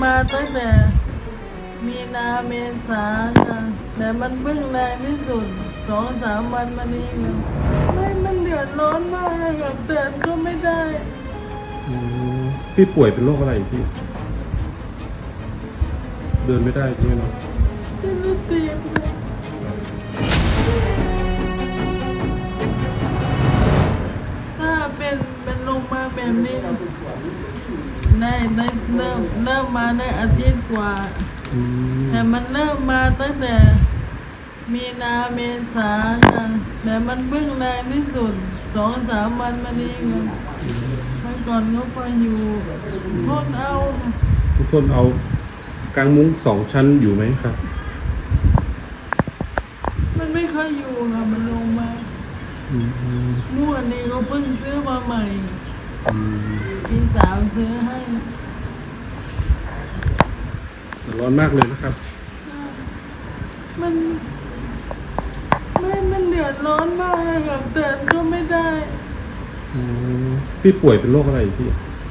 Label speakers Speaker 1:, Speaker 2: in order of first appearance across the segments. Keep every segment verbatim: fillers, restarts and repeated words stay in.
Speaker 1: มาตั้งแต่มีนาเมษาค่ะแต่มันเพิ่งแรงที่สุดสองสามวันมานี้ค่ะไม่มันเดือดร้อนมากค่ะเตือนก็ไม่ได้
Speaker 2: อืมพี่ป่วยเป็นโรคอะไรพี่ เดินไม่ได้ใช่ไหมเนาะ
Speaker 1: ที่รู้สึกถ้าเป็นเป็นลงมาแบบนี้ได้ได้เริ่มเริ่มมาได้อาทิตย์กว่า
Speaker 2: อืม
Speaker 1: แต่มันเริ่มมาตั้งแต่มีนาเมษาค่ะแต่มันเพิ่งแรงที่สุดสองสามวันมานี้ค่ะเมื่อก่อนก็ไปอยู่ทนเอาค่ะ
Speaker 2: ทุกคนเอากางมุ้งสองชั้นอยู่ไหมครับ
Speaker 1: มันไม่ค่อยอยู่ค่ะมันลงมา
Speaker 2: อืมอืม
Speaker 1: เมื่อวันนี้ก็เพิ่งซื้อมาใหม่
Speaker 2: อืม
Speaker 1: พี่สาวซื้อให้
Speaker 2: ร้อนมากเลยนะครับ
Speaker 1: มันไม่มันเดือดร้อนมากเลยค่ะเตือนก็ไม่ได้
Speaker 2: อืมพี่ป่วยเป็นโรคอะไรพี่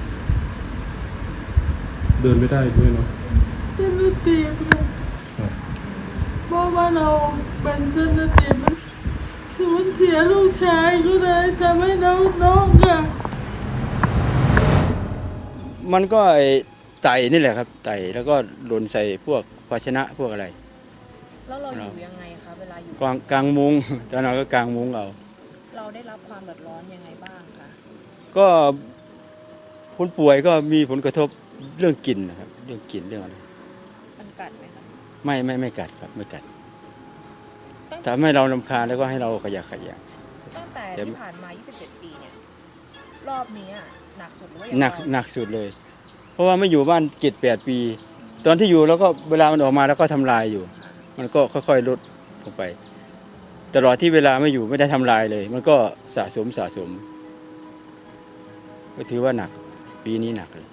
Speaker 2: เดินไม่ได้ด้วยเนาะ
Speaker 1: ที่รู้สึกค่ะ
Speaker 2: ครับ
Speaker 1: เพราะว่าเราเป็นเจ้าหน้าที่มันสูญเสียลูกชายก็เลยทำให้น้องน้องค่ะ
Speaker 3: มันก็ไอ้ไต่นี่แหละครับไต่แล้วก็หล่นใส่พวกภาชนะพวกอะไร
Speaker 4: แล้วเราอยู่ยังไงคะเวลาอยู่
Speaker 3: กลางกลางมุงตอนนั้นก็กลางมุงเอา
Speaker 4: เราได้รับความเดือดร้อนยังไงบ้างคะ
Speaker 3: ก็คนป่วยก็มีผลกระทบเรื่องกลิ่นนะครับเรื่องกลิ่นเรื่องอะไร
Speaker 4: มันกัดไหมคะ
Speaker 3: ไม่ไม่ไม่กัดครับไม่กัด
Speaker 4: ตั้ง
Speaker 3: ทำให้เราลำคาญแล้วก็ให้เราขยะแขยะ
Speaker 4: ตั้งแต่
Speaker 3: แต่
Speaker 4: ที่ผ่านมา ยี่สิบเจ็ด ปีเนี่ยรอบนี้อะหนักสุดหรือว่า
Speaker 3: หนัก
Speaker 4: ยัง
Speaker 3: หนักสุดเลย เพราะว่าไม่อยู่บ้านเจ็ดแปดปี ตอนที่อยู่แล้วก็เวลามันออกมาแล้วก็ทำลายอยู่ มันก็ค่อยๆลดลงไป ตลอดที่เวลาไม่อยู่ไม่ได้ทำลายเลย มันก็สะสมสะสม ก็ถือว่าหนักปีนี้หนักเลย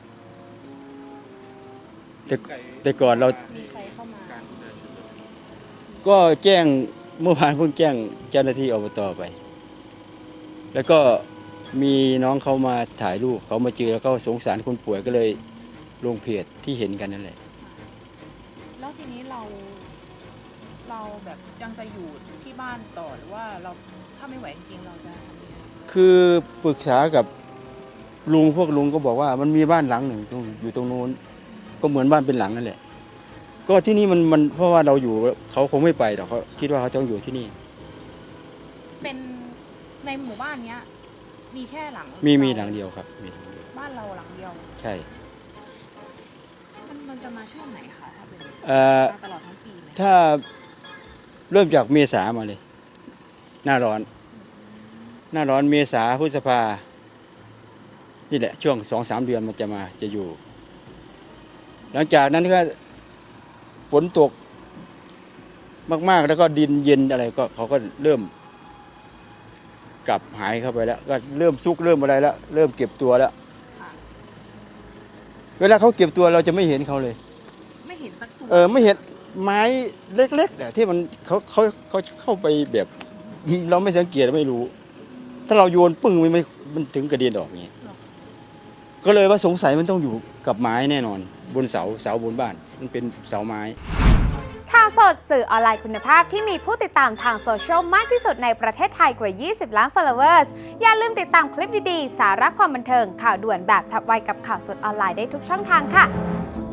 Speaker 3: แต่แต่ก่อนเรา
Speaker 4: มีใครเข้ามา
Speaker 3: ก็แจ้งเมื่อวานเพิ่งแจ้งเจ้าหน้าที่อบตไป แล้วก็มีน้องเขามาถ่ายรูปเขามาเจอแล้วก็สงสารคนป่วยก็เลยลงเพจที่เห็นกันนั่นแหละ
Speaker 4: แล้วทีนี้เรา เราแบบยังจะอยู่ที่บ้านต่อหรือว่าเราถ้าไม่ไหวจริงๆเราจะทำยังไง
Speaker 3: คือปรึกษากับลุงพวกลุงก็บอกว่ามันมีบ้านหลังหนึ่งตรงอยู่ตรงนู้นก็เหมือนบ้านเป็นหลังนั่นแหละ ก็ที่นี่มันมันเพราะว่าเราอยู่เขาคงไม่ไปหรอกเขาคิดว่าเขาต้องอยู่ที่นี่
Speaker 4: เป็นในหมู่บ้านเนี้ยมีแค่หลัง
Speaker 3: มี
Speaker 4: เดียว
Speaker 3: มีหลังเดียวครับมีหลังเดียว
Speaker 4: บ้านเราหลังเดียว
Speaker 3: ใช่
Speaker 4: มันมันจะมาช่วงไหนคะถ้าเป็น
Speaker 3: เอ่อ
Speaker 4: มาตลอดทั้งปีไหม
Speaker 3: ถ้าเริ่มจากเมษามาเลย หน้าร้อน หน้าร้อนเมษาพฤษภานี่แหละช่วงสองสามเดือนมันจะมาจะอยู่ หลังจากนั้นก็ฝนตกมากๆแล้วก็ดินเย็นอะไรก็เขาก็เริ่ม กลับหายเข้าไปแล้ว ก็เริ่มซุกเริ่มอะไรแล้ว เริ่มเก็บตัวแล้ว เวลาเขาเก็บตัวเราจะไม่เห็นเขาเลย
Speaker 4: ไม่เห็นสักตัว
Speaker 3: เออไม่เห็นไม้เล็กๆเนี่ยที่มันเขาเขาเขาเข้าไปแบบ เราไม่สังเกตไม่รู้ ถ้าเราโยนปึ้งมันไม่มันถึงกระเด็นออกอย่างนี้ก็เลยว่าสงสัยมันต้องอยู่กับไม้แน่นอน บนเสาเสาบนบ้าน มันเป็นเสาไม้
Speaker 5: ข่าวสดสื่อออนไลน์คุณภาพที่มีผู้ติดตามทางโซเชียลมากที่สุดในประเทศไทยกว่า ยี่สิบ ล้าน followers อย่าลืมติดตามคลิปดีๆ สาระความบันเทิง ข่าวด่วนแบบฉับไวกับข่าวสดออนไลน์ได้ทุกช่องทางค่ะ